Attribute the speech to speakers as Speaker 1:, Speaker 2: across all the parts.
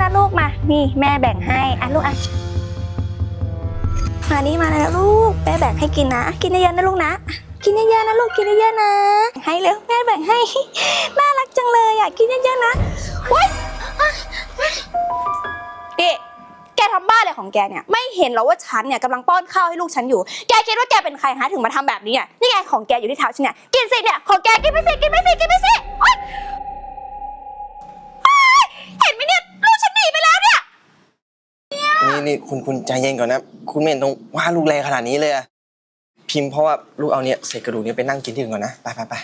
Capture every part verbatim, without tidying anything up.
Speaker 1: นะลูกมานี่แม่แบ่งให้อ่ะลูกอ่ะมานี่มาแล้วลูกแม่แบ่งให้กินนะกินเยอะๆนะลูกนะกินเยอะๆนะลูกกินเยอะๆนะให้เร็วแม่แบ่งให้น่ารักจังเลยอ่ะกินเยอะๆนะว้ยเอ๊ะแกทำบ้าอะไรของแกเนี่ยไม่เห็นหรอว่าฉันเนี่ยกำลังป้อนข้าวให้ลูกฉันอยู่แกคิดว่าแกเป็นใครฮะถึงมาทำแบบนี้อ่ะนี่ไงของแกอยู่ที่เท้าฉันเนี่ยกินสิเนี่ยของแกกินไปสิกินไปสิกินไปสิเห็นไหมเนี่ยลูกฉันหนีไปแล้วเนี่ย
Speaker 2: นี่นี่คุณคุณใจเย็นก่อนนะคุณไม่เห็นต้องว่าลูกแรงขนาดนี้เลยอะพิมพ์เพราะว่าลูกเอาเนี่ยเศษกระดูกนี้ไปนั่งกินที่อื่นก่อนนะไปไปไป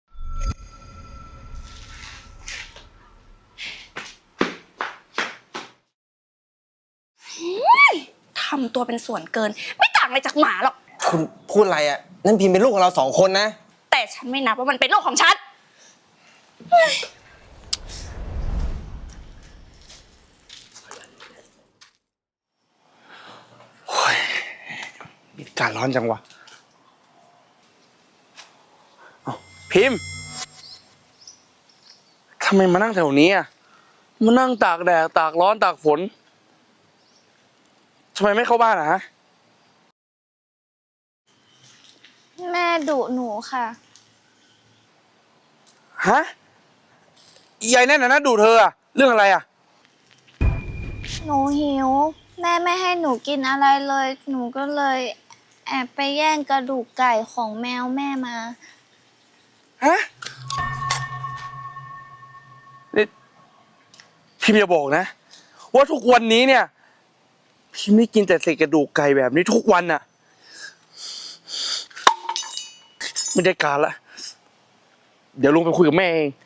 Speaker 1: ทำตัวเป็นส่วนเกินไม่ต่างอะไรจากหมาหรอก
Speaker 2: คุณพูดอะไรอะนั่นพิมพ์เป็นลูกของเราสองคนนะ
Speaker 1: แต่ฉันไม่นับว่ามันเป็นลูกของฉัน
Speaker 3: อากาศร้อนจังวะพิมพ์ทำไมมานั่งแถวนี้อ่ะมานั่งตากแดดตากร้อนตากฝนทำไมไม่เข้าบ้านอ่ะฮะ
Speaker 4: แม่ดุหนูค่ะ
Speaker 3: ฮะยายแน่นนะดูเธออ่ะเรื่องอะไรอ่ะ
Speaker 4: หนูหิวแม่ไม่ให้หนูกินอะไรเลยหนูก็เลยแอบไปแย่งกระดูกไก่ของแมวแม่มา
Speaker 3: ฮะนี่พิมพ์อย่าบอกนะว่าทุกวันนี้เนี่ยพิมพ์ไม่กินแต่เศษกระดูกไก่แบบนี้ทุกวันน่ะไม่ได้การละเดี๋ยวลุงไปคุยกับแม่เอง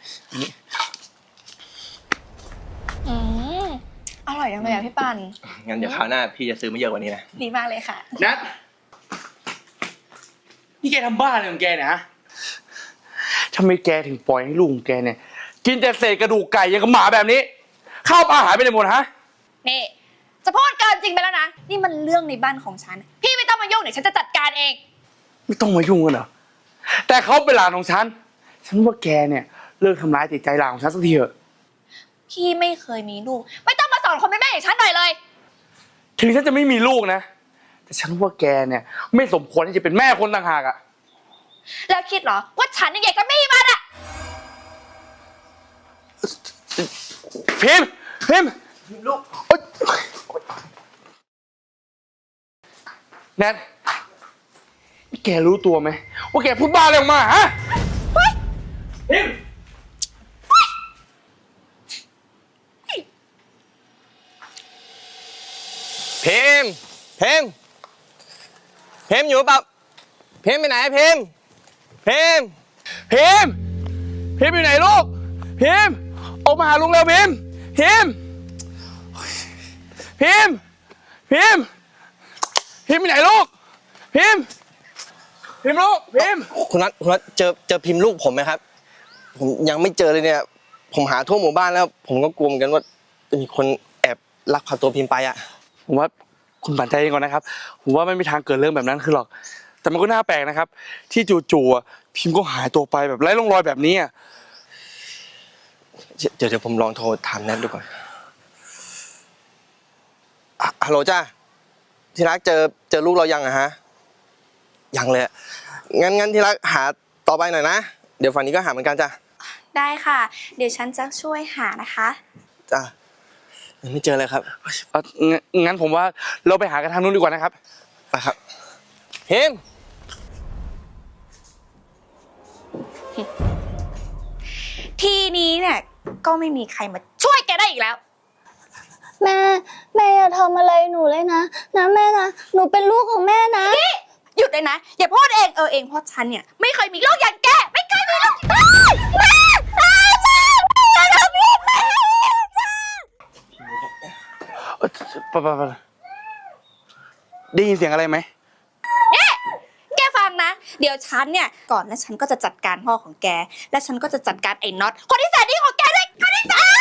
Speaker 1: อืมอร่อยจังเลยอ่ะพี่ปัน
Speaker 2: งั้นเดี๋ยวคราวหน้าพี่จะซื้อมาเยอะกว่านี้นะ
Speaker 1: ดีมากเลยค่ะ
Speaker 3: นัทนี่แกทำบ้าอะไรของแกเนี่ยฮะทำไมแกถึงปล่อยให้ลูกของแกเนี่ยกินแต่เศษกระดูกไก่อย่างกับหมาแบบนี้ข้าวปลาหายไปไหนหมดฮะ
Speaker 1: นี่จะพูดเกินจริงไปแล้วนะนี่มันเรื่องในบ้านของฉันพี่ไม่ต้องมายุ่งเดี๋ยวฉันจะจัดการเอง
Speaker 3: ไม่ต้องมายุ่งกันเหรอแต่เขาเป็นหลานของฉันฉันว่าแกเนี่ยเลิกทำร้ายจิตใจหลานของฉันสักทีเถอะ
Speaker 1: พี่ไม่เคยมีลูกไม่ต้องมาสอนคนเป็นแม่อย่างฉันหน่อยเลย
Speaker 3: ถึงฉันจะไม่มีลูกนะแต่ฉันว่าแกเนี่ยไม่สมควรที่จะเป็นแม่คนต่างหากอะ
Speaker 1: แล้วคิดเหรอว่าฉันยังไงก็ไม่มีมันอะ
Speaker 3: พิมพ์พิมพ์ลูกแนทแกรู้ตัวไหมว่าแกพูดบ้าอะไรออกมาฮะพิมพ์
Speaker 2: พิมพ์พิมพ์พิมพ์อยู่เปล่าพิมพ์ไปไหนพิมพ์พิมพ์
Speaker 3: พิมพ์พิมพ์อยู่ไหนลูกพิมพ์ออกมาหาลุงเร็วพิมพ์พิมพ์พิมพ์พิมพ์พิมพ์อยู่ไหนลูกพิมพ์พิมพ์ลูกพิมพ์
Speaker 2: คุณนัทคุณนัทเจอเจอพิมพ์ลูกผมไหมครับผมยังไม่เจอเลยเนี่ยผมหาทั่วหมู่บ้านแล้วผมก็กลัวเหมือนกันว่าจะมีคนแอบลักพาตัวพิมพ์ไปอ่ะ
Speaker 3: ผมว่าคุณปั่นใจเองก่อนนะครับผมว่าไม่มีทางเกิดเรื่องแบบนั้นขึ้นหรอกแต่มันก็น่าแปลกนะครับที่จู่ๆพิมพ์ก็หายตัวไปแบบไร้ร่องรอยแบบนี้อ่ะ
Speaker 2: เดี๋ยวเดี๋ยวผมลองโทรถามแนทดูก่อนฮัลโหลจ้าที่รักเจอเจอลูกเรายังอะฮะยังเลยงั้นงั้นที่รักหาต่อไปหน่อยนะเดี๋ยวฝั่งนี้ก็หาเหมือนกันจ้ะ
Speaker 1: ได้ค่ะเดี๋ยวฉันจะช่วยหานะคะ
Speaker 2: จ้ะยังไม่เจอเลยครับ
Speaker 3: งั้นผมว่าเราไปหากันทางนู้นดีกว่านะครับ
Speaker 2: ไปครับพิมพ์
Speaker 1: ทีนี้เนี่ยก็ไม่มีใครมาช่วยแกได้อีกแล้ว
Speaker 4: แม่แม่อย่าทำอะไรหนูเลยนะนะแม่นะหนูเป็นลูกของแม่นะ
Speaker 1: นี่หยุดเลยนะอย่าพูดเองเออเองเพราะฉันเนี่ยไม่เคยมีลูกอย่างแกไม่เคยมีลูกแม่แม่แม่แม่อย่าทำลูกแม่
Speaker 3: ปะปะปะได้ยินเสียงอะไรไหม
Speaker 1: เนี่ยแกฟังนะเดี๋ยวฉันเนี่ยก่อนแล้วฉันก็จะจัดการพ่อของแกและฉันก็จะจัดการไอ้น็อตคนที่แสนดีของแกด้วยคนที่แสน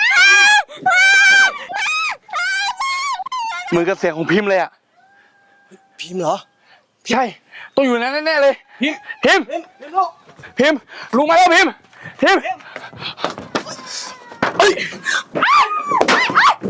Speaker 3: เหมือนกับเสียงของพิมพ์เลยอ่ะ
Speaker 2: พิมพ์เหรอ
Speaker 3: ใช่ต้องอยู่นั้นแน่ๆเลยพิมพ์พิมพ์พิมพ์ลุงมาแล้วพิมพ์พิมพ์เฮ้ย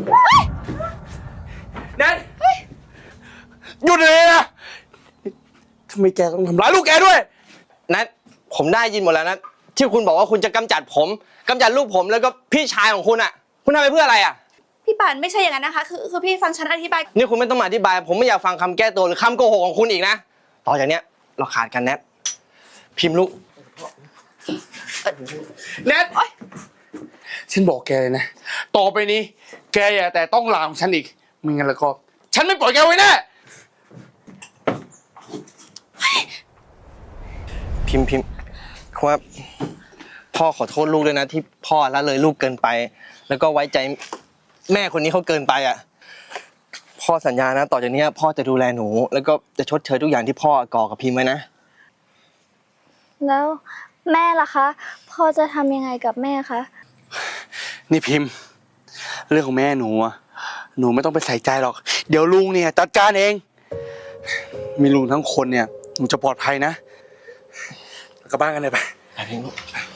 Speaker 3: ไมแกต้องทำร้ายลูกแกด้วย
Speaker 2: นัทผมได้ยินหมดแล้วนะที่คุณบอกว่าคุณจะกำจัดผมกำจัดลูกผมแล้วก็พี่ชายของคุณอ่ะ คุณทำไปเพื่ออะไรอ่ะ
Speaker 1: พี่ป่านไม่ใช่อย่างนั้นนะคะคือคือพี่ฟังฉันอธิบาย
Speaker 2: นี่คุณไม่ต้องมาอธิบาย ผมไม่อยากฟังคำแก้ตัวหรือคำโกหกของคุณอีกนะต่อจากเนี้ยเราขาดกันแนทพิมพ์ลูก
Speaker 3: แนทฉันบอกแกเลยนะต่อไปนี้ แกอย่าแต่ต้องลาของฉันอีกไม่งั้นแล้วก็ ฉันไม่ปล่อยแกไว้แน่
Speaker 2: พิมพ์พิมพ์ว่าพ่อขอโทษลูกด้วยนะที่พ่อละเลยลูกเกินไป แล้วก็ไว้ใจแม่คนนี้เขาเกินไปอ่ะพ่อสัญญานะต่อจากนี้พ่อจะดูแลหนู แล้วก็จะชดเชยทุกอย่างที่พ่อก่อกับพิมพ์ไว้นะ
Speaker 4: แล้วแม่ล่ะคะพ่อจะทำยังไงกับแม่คะ
Speaker 3: นี่พิมพ์ เรื่องของแม่หนูอะหนูไม่ต้องไปใส่ใจหรอก เดี๋ยวลุงเนี่ยจัดการเอง มีลุงทั้งคนเนี่ยหนูจะปลอดภัยนะกลับบ้านกันเลยไป
Speaker 2: ไปพิมพ์ลูก